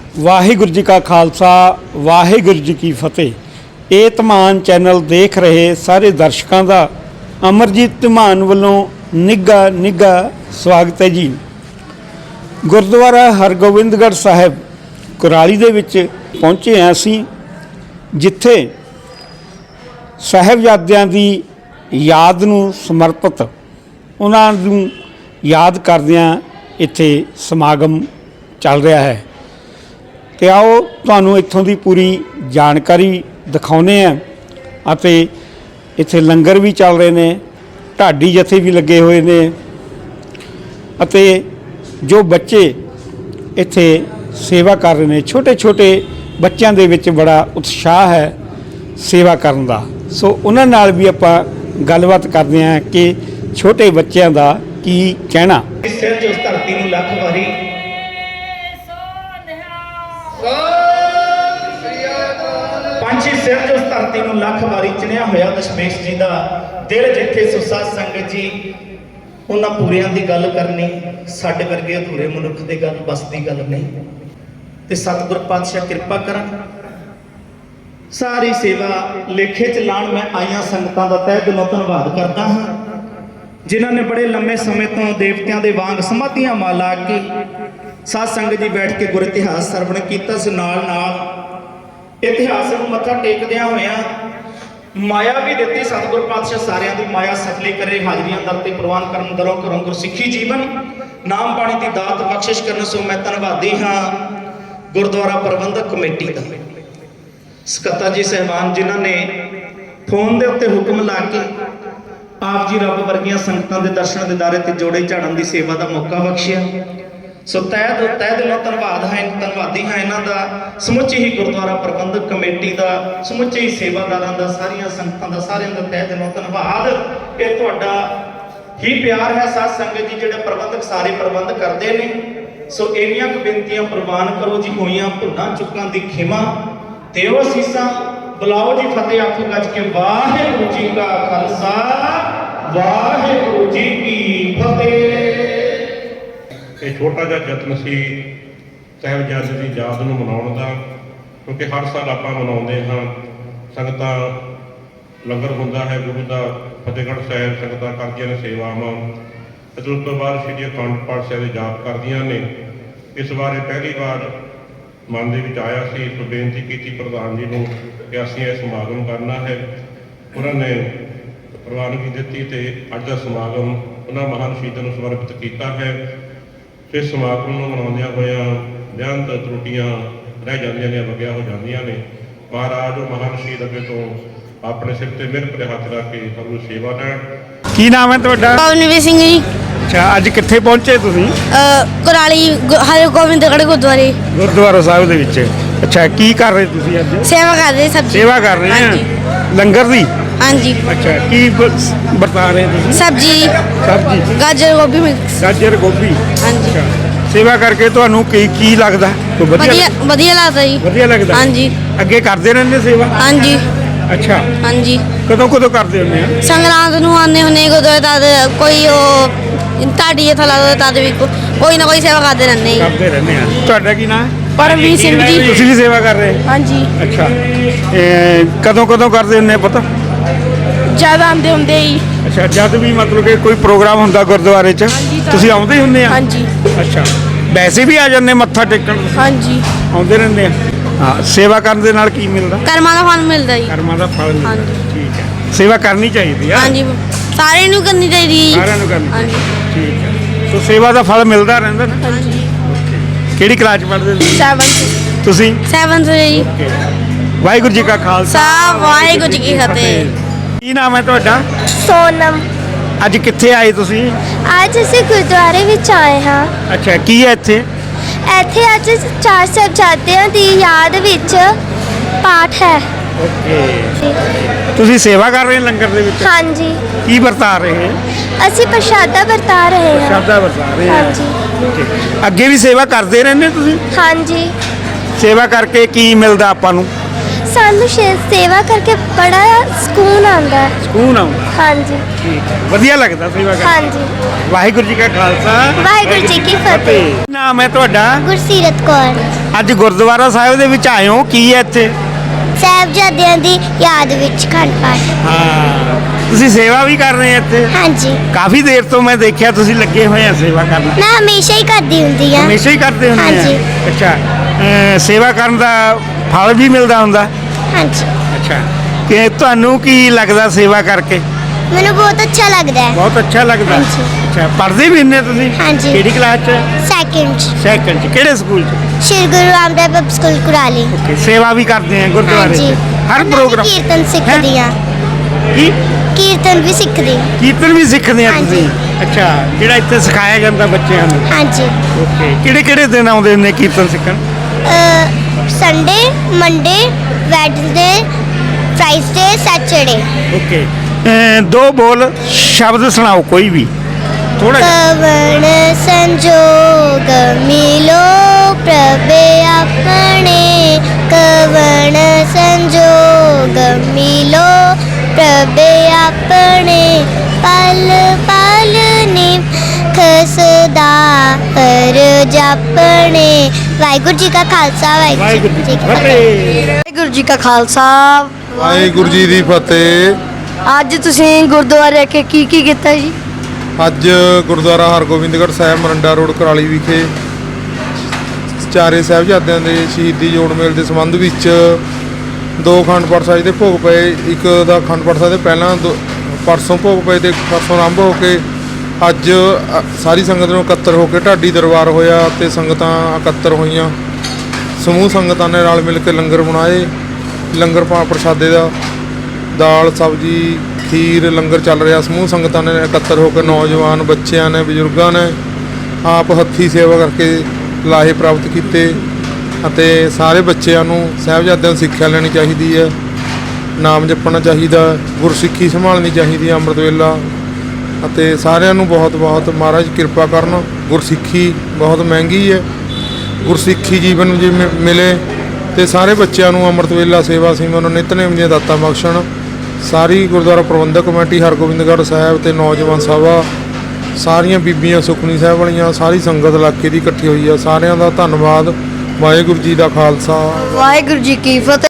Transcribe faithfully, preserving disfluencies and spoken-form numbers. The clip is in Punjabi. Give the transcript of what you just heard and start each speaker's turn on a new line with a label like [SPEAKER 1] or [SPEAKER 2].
[SPEAKER 1] ਵਾਹਿਗੁਰੂ जी का खालसा वाहिगुरू जी की फतेह। ਇਹ ਧਮਾਨ ਚੈਨਲ ਦੇਖ ਰਹੇ ਸਾਰੇ ਦਰਸ਼ਕਾਂ ਦਾ ਅਮਰਜੀਤ ਧਮਾਨ ਵੱਲੋਂ ਨਿੱਘਾ ਨਿੱਘਾ ਸਵਾਗਤ ਹੈ ਜੀ। ਗੁਰਦੁਆਰਾ ਹਰਗੋਬਿੰਦਗੜ੍ਹ ਸਾਹਿਬ ਕੁਰਾਲੀ ਦੇ ਵਿੱਚ ਪਹੁੰਚੇ ਹਾਂ ਅਸੀਂ, ਜਿੱਥੇ ਸਾਹਿਬਜ਼ਾਦਿਆਂ ਦੀ ਯਾਦ ਨੂੰ ਸਮਰਪਿਤ ਉਹਨਾਂ ਨੂੰ ਯਾਦ ਕਰਦਿਆਂ ਇੱਥੇ ਸਮਾਗਮ ਚੱਲ ਰਿਹਾ ਹੈ। ਤੇ ਆਓ ਤੁਹਾਨੂੰ ਇੱਥੋਂ ਦੀ ਪੂਰੀ ਜਾਣਕਾਰੀ ਦਿਖਾਉਂਦੇ ਹਾਂ। ਅਤੇ ਇੱਥੇ ਲੰਗਰ ਵੀ ਚੱਲ ਰਹੇ ਨੇ, ਢਾਡੀ ਜਥੇ ਵੀ ਲੱਗੇ ਹੋਏ ਨੇ ਅਤੇ ਜੋ ਬੱਚੇ ਇੱਥੇ ਸੇਵਾ ਕਰ ਰਹੇ ਨੇ, ਛੋਟੇ ਛੋਟੇ ਬੱਚਿਆਂ ਦੇ ਵਿੱਚ ਬੜਾ ਉਤਸ਼ਾਹ ਹੈ ਸੇਵਾ ਕਰਨ ਦਾ। ਸੋ ਉਹਨਾਂ ਨਾਲ ਵੀ ਆਪਾਂ ਗੱਲਬਾਤ ਕਰਦੇ ਹਾਂ ਕਿ ਛੋਟੇ ਬੱਚਿਆਂ ਦਾ ਕੀ ਕਹਿਣਾ।
[SPEAKER 2] ਸਿਰ ਜੋ ਧਰਤੀ ਨੂੰ ਲੱਖ ਵਾਰੀ ਪੰਛੀ ਸਿਰ ਜੋ ਧਰਤੀ ਨੂੰ ਲੱਖ ਵਾਰੀ ਚਿਣਿਆ ਹੋਇਆ ਦਸ਼ਮੇਸ਼ ਜੀ ਦਾ ਦਿਲ ਜਿੱਥੇ ਸੁਸਾ ਸੰਗਤ ਜੀ ਉਹਨਾਂ ਪੂਰਿਆਂ ਦੀ ਗੱਲ ਕਰਨੀ, ਸਾਡੇ ਵਰਗੇ ਅਧੂਰੇ ਮਨੁੱਖ ਦੇ ਗੱਲ ਬਸ ਦੀ ਗੱਲ ਨਹੀਂ। ਤੇ ਸਤਿਗੁਰ ਪਾਤਸ਼ਾਹ ਕਿਰਪਾ ਕਰਨ, ਸਾਰੀ ਸੇਵਾ ਲੇਖੇ ਚ ਲਾਣ ਮੈਂ ਆਈਆਂ ਸੰਗਤਾਂ ਦਾ ਤਹਿ ਦਿਲੋਂ ਧੰਨਵਾਦ ਕਰਦਾ ਹਾਂ, ਜਿਨ੍ਹਾਂ ਨੇ ਬੜੇ ਲੰਮੇ ਸਮੇਂ ਤੋਂ ਦੇਵਤਿਆਂ ਦੇ ਵਾਂਗ ਸਮਾਧੀਆਂ ਮਾ ਲਾ ਕੇ ਸਾਧ ਸੰਗਤ ਜੀ ਬੈਠ ਕੇ ਗੁਰ ਇਤਿਹਾਸ ਸਰਵਣ ਕੀਤਾ ਸੀ। ਨਾਲ ਨਾਲ ਇਤਿਹਾਸ ਨੂੰ ਮੱਥਾ ਟੇਕਦਿਆਂ ਹੋਇਆਂ ਮਾਇਆ ਵੀ ਦਿੱਤੀ। ਸਤਿਗੁਰ ਪਾਤਸ਼ਾਹ ਸਾਰਿਆਂ ਦੀ ਮਾਇਆ ਸਫਲੀ ਕਰੇ, ਹਾਜ਼ਰੀਆਂ ਦਰ ਤੇ ਪ੍ਰਵਾਨ ਕਰਨ, ਦਰੋਂ ਕਰੋਂ ਗੁਰਸਿੱਖੀ ਜੀਵਨ ਨਾਮ ਬਾਣੀ ਦੀ ਦਾਤ ਬਖਸ਼ਿਸ਼ ਕਰਨ। ਸੋ ਮੈਂ ਧੰਨਵਾਦੀ ਹਾਂ ਗੁਰਦੁਆਰਾ ਪ੍ਰਬੰਧਕ ਕਮੇਟੀ ਦਾ, ਸਕੱਤਰ ਜੀ ਸਹਿਬਾਨ, ਜਿਨ੍ਹਾਂ ਨੇ ਫੋਨ ਦੇ ਉੱਤੇ ਹੁਕਮ ਲਾ ਕੇ ਆਪ ਜੀ ਰੱਬ ਵਰਗੀਆਂ ਸੰਗਤਾਂ ਦੇ ਦਰਸ਼ਨ ਦਿਦਾਰੇ ਤੇ ਜੋੜੇ ਝਾੜਨ ਦੀ ਸੇਵਾ ਦਾ ਮੌਕਾ ਬਖਸ਼ਿਆ। ਸੋ ਤਹਿ ਤਹਿ ਦਿਲੋਂ ਧੰਨਵਾਦ ਹੈ ਧੰਨਵਾਦੀ ਹਾਂ ਇਹਨਾਂ ਦਾ, ਸਮੁੱਚੀ ਹੀ ਗੁਰਦੁਆਰਾ ਪ੍ਰਬੰਧਕ ਕਮੇਟੀ ਦਾ, ਸਮੁੱਚੇ ਹੀ ਸੇਵਾਦਾਰਾਂ ਦਾ, ਸਾਰੀਆਂ ਸੰਗਤਾਂ ਦਾ, ਸਾਰਿਆਂ ਦਾ ਤਹਿ ਦਿਲੋਂ ਧੰਨਵਾਦ। ਇਹ ਤੁਹਾਡਾ ਹੀ ਪਿਆਰ ਹੈ ਸਾਧ ਸੰਗਤ ਜੀ, ਜਿਹੜੇ ਪ੍ਰਬੰਧਕ ਸਾਰੇ ਪ੍ਰਬੰਧ ਕਰਦੇ ਨੇ। ਸੋ ਇੰਨੀਆਂ ਕੁ ਬੇਨਤੀਆਂ ਪ੍ਰਵਾਨ ਕਰੋ ਜੀ, ਹੋਈਆਂ ਭੁੱਲਾਂ ਚੁੱਕਾਂ ਦੀ ਖਿਮਾ ਦਿਓ ਅਸੀਸਾਂ, ਬੁਲਾਓ ਜੀ ਫਤਿਹ ਆਖੋ ਗੱਜ ਕੇ ਵਾਹਿਗੁਰੂ ਜੀ ਕਾ ਖਾਲਸਾ ਵਾਹਿਗੁਰੂ ਜੀ ਕੀ ਫਤਿਹ।
[SPEAKER 3] ਇਹ ਛੋਟਾ ਜਿਹਾ ਯਤਨ ਸੀ ਸਾਹਿਬਜ਼ਾਦੇ ਦੀ ਯਾਦ ਨੂੰ ਮਨਾਉਣ ਦਾ, ਕਿਉਂਕਿ ਹਰ ਸਾਲ ਆਪਾਂ ਮਨਾਉਂਦੇ ਹਾਂ। ਸੰਗਤਾਂ ਲੰਗਰ ਹੁੰਦਾ ਹੈ ਗੁਰੂ ਦਾ, ਫਤਿਹਗੜ੍ਹ ਸਾਹਿਬ ਸੰਗਤਾਂ ਕਰਦੀਆਂ ਨੇ ਸੇਵਾਵਾਂ, ਅਤੇ ਉਸ ਤੋਂ ਬਾਅਦ ਸ਼੍ਰੀ ਅਖੰਡ ਪਾਠ ਸਾਹਿਬ ਦੇ ਜਾਪ ਕਰਦੀਆਂ ਨੇ। ਇਸ ਬਾਰੇ ਪਹਿਲੀ ਵਾਰ ਮਨ ਦੇ ਵਿੱਚ ਆਇਆ ਸੀ, ਸੋ ਬੇਨਤੀ ਕੀਤੀ ਪ੍ਰਧਾਨ ਜੀ ਨੂੰ ਕਿ ਅਸੀਂ ਇਹ ਸਮਾਗਮ ਕਰਨਾ ਹੈ। ਉਹਨਾਂ ਨੇ ਪ੍ਰਵਾਨਗੀ ਦਿੱਤੀ ਤੇ ਅੱਜ ਦਾ ਸਮਾਗਮ ਉਹਨਾਂ ਮਹਾਨ ਸ਼ਹੀਦਾਂ ਨੂੰ ਸਮਰਪਿਤ ਕੀਤਾ ਹੈ। ਇਸ ਸਮਾਗਮ ਨੂੰ ਮਨਾਉਂਦਿਆਂ ਹੋਇਆਂ ਬੇਅੰਤ ਤਰੁੱਟੀਆਂ ਰਹਿ ਜਾਂਦੀਆਂ ਨੇ, ਵਗਿਆ ਹੋ ਜਾਂਦੀਆਂ ਨੇ। ਮਹਾਰਾਜ ਉਹ ਮਹਾਨ ਸ਼ਹੀਦ ਅੱਗੇ ਤੋਂ ਆਪਣੇ ਸਿਰ ਤੇ ਮਿਹਰ ਭਰੇ ਹੱਥ ਰੱਖ ਕੇ ਸਾਨੂੰ ਸੇਵਾ ਲੈਣ।
[SPEAKER 1] ਕੀ ਨਾਮ ਹੈ ਤੁਹਾਡਾ?
[SPEAKER 4] ਪਵਨਵੀਰ ਸਿੰਘ ਜੀ।
[SPEAKER 1] ਅੱਛਾ, ਅੱਜ ਕਿੱਥੇ ਪਹੁੰਚੇ ਤੁਸੀਂ?
[SPEAKER 4] ਕੁਰਾਲੀ ਹਰਗੋਬਿੰਦਗੜ੍ਹ ਗੁਰਦੁਆਰੇ
[SPEAKER 1] ਗੁਰਦੁਆਰਾ ਸਾਹਿਬ ਦੇ ਵਿੱਚ। ਅੱਛਾ, ਕੀ ਕਰ ਰਹੇ ਤੁਸੀਂ ਅੱਜ?
[SPEAKER 4] ਸੇਵਾ ਕਰ ਰਹੇ, ਸਬਜ਼ੀ
[SPEAKER 1] ਸੇਵਾ ਕਰ ਰਹੇ ਆ ਲੰਗਰ ਦੀ?
[SPEAKER 4] ਹਾਂਜੀ।
[SPEAKER 1] ਅੱਛਾ, ਕੀ ਬ- ਵਰਤਾ ਰਹੇ ਤੁਸੀਂ?
[SPEAKER 4] ਸਬਜ਼ੀ
[SPEAKER 1] ਸਬਜ਼ੀ,
[SPEAKER 4] ਗਾਜਰ ਗੋਭੀ ਮਿਕਸ।
[SPEAKER 1] ਗਾਜਰ ਗੋਭੀ।
[SPEAKER 4] ਹਾਂਜੀ।
[SPEAKER 1] ਅੱਛਾ, ਸੇਵਾ ਕਰਕੇ ਤੁਹਾਨੂੰ ਕੀ ਕੀ ਲੱਗਦਾ? ਕੋਈ
[SPEAKER 4] ਵਧੀਆ ਵਧੀਆ ਲੱਗਦਾ ਜੀ।
[SPEAKER 1] ਵਧੀਆ ਲੱਗਦਾ?
[SPEAKER 4] ਹਾਂਜੀ।
[SPEAKER 1] ਅੱਗੇ ਕਰਦੇ ਰਹਿੰਦੇ ਸੇਵਾ?
[SPEAKER 4] ਹਾਂਜੀ।
[SPEAKER 1] ਅੱਛਾ,
[SPEAKER 4] ਹਾਂਜੀ।
[SPEAKER 1] ਕਦੋਂ ਕਦੋਂ ਕਰਦੇ ਹੁੰਦੇ ਆ?
[SPEAKER 4] ਸੰਗਰਾਂਦ ਨੂੰ ਆਉਂਦੇ ਹੁੰਦੇ ਗੁਰਦੁਆਰੇ, ਤਦ ਕੋਈ ਉਹ ਢਾਡੀ ਜਥਾ ਲੱਗਦਾ, ਤਦ ਵੀ ਕੋ- ਕੋਈ ਨਾ ਕੋਈ ਸੇਵਾ ਕਰਦੇ ਰਹਿੰਦੇ ਜੀ।
[SPEAKER 1] ਕਰਦੇ ਰਹਿੰਦੇ ਆ। ਤੁਹਾਡਾ ਕੀ ਨਾਮ ਹੈ?
[SPEAKER 4] ਪਰਮਵੀਰ ਸਿੰਘ ਜੀ।
[SPEAKER 1] ਤੁਸੀਂ ਵੀ ਸੇਵਾ ਕਰ ਰਹੇ?
[SPEAKER 4] ਹਾਂਜੀ।
[SPEAKER 1] ਅੱਛਾ, ਇਹ ਕਦੋਂ ਕਦੋਂ ਕਰਦੇ ਹੁੰਦੇ ਆ ਪਤਾ?
[SPEAKER 4] ਜਦ ਆਉਂਦੇ ਹੁੰਦੇ ਜੀ।
[SPEAKER 1] ਅੱਛਾ, ਜਦ ਵੀ ਮਤਲਬ ਕਿ ਕੋਈ ਪ੍ਰੋਗਰਾਮ ਹੁੰਦਾ ਗੁਰਦੁਆਰੇ 'ਚ ਤੁਸੀਂ ਆਉਂਦੇ ਹੀ ਹੁੰਦੇ ਆ?
[SPEAKER 4] ਹਾਂਜੀ।
[SPEAKER 1] ਅੱਛਾ, ਵੈਸੇ ਵੀ ਆ ਜਾਂਦੇ ਮੱਥਾ ਟੇਕਣ?
[SPEAKER 4] ਹਾਂਜੀ।
[SPEAKER 1] ਆਉਂਦੇ ਰਹਿੰਦੇ ਆ। ਹਾਂ, ਸੇਵਾ ਕਰਨ ਦੇ ਨਾਲ ਕੀ ਮਿਲਦਾ?
[SPEAKER 4] ਕਰਮਾਂ ਦਾ ਫਲ ਮਿਲਦਾ ਜੀ।
[SPEAKER 1] ਕਰਮਾਂ ਦਾ ਫਲ ਮਿਲਦਾ।
[SPEAKER 4] ਹਾਂਜੀ।
[SPEAKER 1] ਠੀਕ ਹੈ, ਸੇਵਾ ਕਰਨੀ ਚਾਹੀਦੀ ਆ।
[SPEAKER 4] ਹਾਂਜੀ, ਸਾਰਿਆਂ ਨੂੰ ਕਰਨੀ ਚਾਹੀਦੀ ਜੀ।
[SPEAKER 1] ਸਾਰਿਆਂ ਨੂੰ ਕਰਨੀ ਚਾਹੀਦੀ।
[SPEAKER 4] ਹਾਂਜੀ।
[SPEAKER 1] ਠੀਕ ਹੈ, ਸੋ ਸੇਵਾ ਦਾ ਫਲ ਮਿਲਦਾ ਰਹਿੰਦਾ ਨਾ।
[SPEAKER 4] ਹਾਂਜੀ।
[SPEAKER 1] ਕਿਹੜੀ ਕਲਾਸ 'ਚ ਪੜ੍ਹਦੇ ਤੁਸੀਂ?
[SPEAKER 4] ਸੈਵਨਥ।
[SPEAKER 1] ਤੁਸੀਂ?
[SPEAKER 4] ਸੈਵਨਥ ਜੀ।
[SPEAKER 1] ਵਾਹਿਗੁਰੂ ਜੀ ਕਾ ਖਾਲਸਾ
[SPEAKER 4] ਸਾ ਵਾਹਿਗੁਰੂ ਜੀ ਕੀ ਫਤਿਹ।
[SPEAKER 1] ਕੀ ਨਾਮ ਹੈ ਤੁਹਾਡਾ?
[SPEAKER 5] ਸੋਨਮ।
[SPEAKER 1] ਅੱਜ ਕਿੱਥੇ ਆਏ ਤੁਸੀਂ?
[SPEAKER 5] ਅੱਜ ਅਸੀਂ ਗੁਰਦੁਆਰੇ ਵਿੱਚ ਆਏ ਹਾਂ।
[SPEAKER 1] ਅੱਛਾ, ਕੀ ਹੈ ਇੱਥੇ?
[SPEAKER 5] ਇੱਥੇ ਅੱਜ ਚਾਰ ਸਾਹਿਬਜ਼ਾਦਿਆਂ ਦੀ ਯਾਦ ਵਿੱਚ ਪਾਠ ਹੈ।
[SPEAKER 1] ਓਕੇ, ਤੁਸੀਂ ਸੇਵਾ ਕਰ ਰਹੇ ਹੋ ਲੰਗਰ ਦੇ ਵਿੱਚ?
[SPEAKER 5] ਹਾਂਜੀ।
[SPEAKER 1] ਕੀ ਵਰਤਾ ਰਹੇ ਹੋ?
[SPEAKER 5] ਅਸੀਂ ਪ੍ਰਸ਼ਾਦਾ ਵਰਤਾ ਰਹੇ ਹਾਂ।
[SPEAKER 1] ਸ਼ਬਦਾ ਵਰਤਾ ਰਹੇ ਹੋ?
[SPEAKER 5] ਹਾਂਜੀ।
[SPEAKER 1] ਓਕੇ, ਅੱਗੇ ਵੀ ਸੇਵਾ ਕਰਦੇ ਰਹਿੰਦੇ ਤੁਸੀਂ?
[SPEAKER 5] ਹਾਂਜੀ।
[SPEAKER 1] ਸੇਵਾ ਕਰਕੇ ਕੀ ਮਿਲਦਾ ਆਪਾਂ ਨੂੰ?
[SPEAKER 5] ਸਾਨੂੰ ਸ਼ੇ- ਸੇਵਾ ਕਰਕੇ ਬੜਾ ਸਕੂਨ ਆਉਂਦਾ ਹੈ।
[SPEAKER 1] ਸਕੂਨ ਆਉਂਦਾ?
[SPEAKER 5] ਹਾਂਜੀ।
[SPEAKER 1] ਠੀਕ ਹੈ, ਵਧੀਆ ਲੱਗਦਾ ਸੇਵਾ ਕਰਕੇ?
[SPEAKER 5] ਹਾਂਜੀ।
[SPEAKER 1] ਵਾਹਿਗੁਰੂ ਜੀ ਕਾ ਖਾਲਸਾ
[SPEAKER 5] ਵਾਹਿਗੁਰੂ ਜੀ ਕੀ ਫਤਿਹ।
[SPEAKER 1] ਨਾਮ ਹੈ ਤੁਹਾਡਾ?
[SPEAKER 5] ਗੁਰਸੀਰਤ ਕੌਰ।
[SPEAKER 1] ਅੱਜ ਗੁਰਦੁਆਰਾ ਸਾਹਿਬ ਦੇ ਵਿੱਚ ਆਏ ਹੋ, ਕੀ ਹੈ ਇੱਥੇ?
[SPEAKER 5] ਸਾਹਿਬਜ਼ਾਦਿਆਂ ਦੀ ਯਾਦ ਵਿੱਚ ਅਖੰਡ ਪਾਠ।
[SPEAKER 1] ਹਾਂ, ਤੁਸੀਂ ਸੇਵਾ ਵੀ ਕਰ ਰਹੇ ਹੋ ਇੱਥੇ?
[SPEAKER 5] ਹਾਂਜੀ,
[SPEAKER 1] ਕਾਫੀ ਦੇਰ ਤੋਂ ਮੈਂ ਦੇਖਿਆ ਤੁਸੀਂ ਲੱਗੇ ਹੋਏ ਆ ਸੇਵਾ ਕਰਨ।
[SPEAKER 5] ਮੈਂ ਹਮੇਸ਼ਾ ਹੀ ਕਰਦੀ ਹੁੰਦੀ ਹਾਂ।
[SPEAKER 1] ਹਮੇਸ਼ਾ ਹੀ ਕਰਦੇ ਹੁੰਦੇ ਆ?
[SPEAKER 5] ਹਾਂਜੀ।
[SPEAKER 1] ਅੱਛਾ, ਅਹ ਸੇਵਾ ਕਰਨ ਦਾ ਫਲ ਵੀ ਮਿਲਦਾ ਹੁੰਦਾ?
[SPEAKER 5] ਹਾਂਜੀ,
[SPEAKER 1] ਅੱਛਾ, ਕਿ ਤੁਹਾਨੂੰ ਕੀ ਲੱਗਦਾ ਸੇਵਾ ਕਰਕੇ?
[SPEAKER 5] ਮੈਨੂੰ ਬਹੁਤ ਅੱਛਾ ਲੱਗਦਾ ਹੈ।
[SPEAKER 1] ਬਹੁਤ ਅੱਛਾ ਲੱਗਦਾ।
[SPEAKER 5] ਹਾਂਜੀ।
[SPEAKER 1] ਅੱਛਾ, ਪੜ੍ਹਦੇ ਵੀ ਹੁੰਦੇ ਤੁਸੀਂ?
[SPEAKER 5] ਹਾਂਜੀ।
[SPEAKER 1] ਕਿਹੜੀ ਕਲਾਸ 'ਚ?
[SPEAKER 5] ਸੈਕਿੰਡ
[SPEAKER 1] ਸੈਕੰਡ 'ਚ। ਕਿਹੜੇ ਸਕੂਲ 'ਚ?
[SPEAKER 5] Shri Guru Ramdas public school Kurali.
[SPEAKER 1] Okay, ਸੇਵਾ ਵੀ ਕਰਦੇ ਆ ਗੁਰਦੁਆਰੇ 'ਚ?
[SPEAKER 5] ਹਾਂਜੀ,
[SPEAKER 1] ਹਰ
[SPEAKER 5] ਮੈਂ
[SPEAKER 1] ਪ੍ਰੋਗਰਾਮ?
[SPEAKER 5] ਕੀਰਤਨ ਸਿੱਖਦੀ ਹਾਂ।
[SPEAKER 1] ਕੀ
[SPEAKER 5] ਕੀਰਤਨ ਵੀ ਸਿੱਖਦੀ ਹਾਂ।
[SPEAKER 1] ਕੀਰਤਨ ਵੀ ਸਿੱਖਦੇ ਆ
[SPEAKER 5] ਹਾਂਜੀ।
[SPEAKER 1] ਤੁਸੀਂ? ਅੱਛਾ, ਜਿਹੜਾ ਇੱਥੇ ਸਿਖਾਇਆ ਜਾਂਦਾ ਬੱਚਿਆਂ ਨੂੰ?
[SPEAKER 5] ਹਾਂਜੀ,
[SPEAKER 1] ਓਕੇ, ਕਿਹੜੇ ਕਿਹੜੇ ਦਿਨ ਆਉਂਦੇ ਨੇ ਕੀਰਤਨ ਸਿੱਖਣ?
[SPEAKER 5] Sunday, Monday, Wednesday, Friday, Saturday.
[SPEAKER 1] Okay, ਅਹ ਦੋ ਬੋਲ ਸ਼ਬਦ ਸੁਣਾਓ ਕੋਈ ਵੀ ਥੋੜਾ ਜਿਹਾ।
[SPEAKER 5] ਕਵਣ ਸੰਜੋਗ ਮਿਲੋ ਪ੍ਰਭੇ ਆਪਣੇ, ਕਵਣ ਸੰਜੋਗ ਮਿਲੋ ਪ੍ਰਭੇ ਆਪਣੇ, ਪਲ ਪਲ ਨਿਮਖ ਸਦਾ ਹਰ ਜਾਪਣੇ। ਵਾਹਿਗੁਰੂ ਜੀ ਕਾ ਖਾਲਸਾ, ਵਾਹਿਗੁਰੂ ਜੀ ਕੀ ਫਤਿਹ।
[SPEAKER 4] ਵਾਹਿਗੁਰੂ ਜੀ ਕਾ ਖਾਲਸਾ,
[SPEAKER 6] ਵਾਹਿਗੁਰੂ ਜੀ ਦੀ ਫਤਿਹ।
[SPEAKER 4] ਅੱਜ ਤੁਸੀਂ ਗੁਰਦੁਆਰੇ ਕੇ ਕੀ ਕੀ ਕੀਤਾ ਜੀ?
[SPEAKER 6] ਅੱਜ ਗੁਰਦੁਆਰਾ ਹਰਗੋਬਿੰਦਗੜ੍ਹ ਸਾਹਿਬ ਮਰੰਡਾ ਰੋਡ ਕੁਰਾਲੀ ਵਿਖੇ ਚਾਰੇ ਸਾਹਿਬਜ਼ਾਦਿਆਂ ਦੇ ਸ਼ਹੀਦੀ ਜੋੜ ਮੇਲ ਦੇ ਸੰਬੰਧ ਵਿੱਚ ਦੋ ਅਖੰਡ ਪਾਠ ਸਾਹਿਬ ਦੇ ਭੋਗ ਪਏ। ਇੱਕ ਦਾ ਅਖੰਡ ਪਾਠ ਸਾਹਿਬ ਦੇ ਪਹਿਲਾਂ ਦੋ ਪਰਸੋਂ ਭੋਗ ਪਏ ਤੇ ਪਰਸੋਂ ਆਰੰਭ ਹੋ ਕੇ ਅੱਜ ਅ, ਸਾਰੀ ਸੰਗਤ ਨੂੰ ਇਕੱਤਰ ਹੋ ਕੇ ਢਾਡੀ ਦਰਬਾਰ ਹੋਇਆ ਤੇ ਸੰਗਤਾਂ ਇਕੱਤਰ ਹੋਈਆਂ। ਸਮੂਹ ਸੰਗਤਾਂ ਨੇ ਰਲ ਮਿਲ ਕੇ ਲੰਗਰ ਬਣਾਏ। ਲੰਗਰ ਪਾ ਪ੍ਰਸ਼ਾਦੇ ਦਾ ਦਾਲ ਸਬਜ਼ੀ ਖੀਰ ਲੰਗਰ ਚੱਲ ਰਿਹਾ। ਸਮੂਹ ਸੰਗਤਾਂ ਨੇ ਇਕੱਤਰ ਹੋ ਕੇ ਨੌਜਵਾਨ ਬੱਚਿਆਂ ਨੇ ਬਜ਼ੁਰਗਾਂ ਨੇ ਆਪ ਹੱਥੀਂ ਸੇਵਾ ਕਰਕੇ ਲਾਹੇ ਪ੍ਰਾਪਤ ਕੀਤੇ ਅਤੇ ਸਾਰੇ ਬੱਚਿਆਂ ਨੂੰ ਸਾਹਿਬਜ਼ਾਦਿਆਂ ਤੋਂ ਸਿੱਖਿਆ ਲੈਣੀ ਚਾਹੀਦੀ ਹੈ, ਨਾਮ ਜਪਣਾ ਚਾਹੀਦਾ, ਗੁਰਸਿੱਖੀ ਸੰਭਾਲਣੀ ਚਾਹੀਦੀ ਹੈ ਅੰਮ੍ਰਿਤ ਵੇਲਾ। ਅਤੇ ਸਾਰਿਆਂ ਨੂੰ ਬਹੁਤ ਬਹੁਤ ਮਹਾਰਾਜ ਕਿਰਪਾ ਕਰਨ। ਗੁਰਸਿੱਖੀ ਬਹੁਤ ਮਹਿੰਗੀ ਹੈ, ਗੁਰਸਿੱਖੀ ਜੀਵਨ ਜੇ ਮਿ- ਮਿਲੇ ਤੇ ਸਾਰੇ ਬੱਚਿਆਂ ਨੂੰ ਅੰਮ੍ਰਿਤ ਵੇਲਾ ਸੇਵਾ ਸਿਮਰਨ ਨਿਤਨੇਮ ਦੀਆਂ ਦਾਤਾਂ ਬਖਸ਼ਣ। ਸਾਰੀ ਗੁਰਦੁਆਰਾ ਪ੍ਰਬੰਧਕ ਕਮੇਟੀ ਹਰਗੋਬਿੰਦਗੜ੍ਹ ਸਾਹਿਬ ਤੇ ਨੌਜਵਾਨ ਸਭਾ, ਸਾਰੀਆਂ ਬੀਬੀਆਂ ਸੁਖਮਨੀ ਸਾਹਿਬ ਵਾਲੀਆਂ, ਸਾਰੀ ਸੰਗਤ ਇਲਾਕੇ ਦੀ ਇਕੱਠੀ ਹੋਈ ਆ। ਸਾਰਿਆਂ ਦਾ ਧੰਨਵਾਦ। ਵਾਹਿਗੁਰੂ ਜੀ ਦਾ ਖਾਲਸਾ,
[SPEAKER 4] ਵਾਹਿਗੁਰੂ ਜੀ ਕੀ ਫਤਿਹ।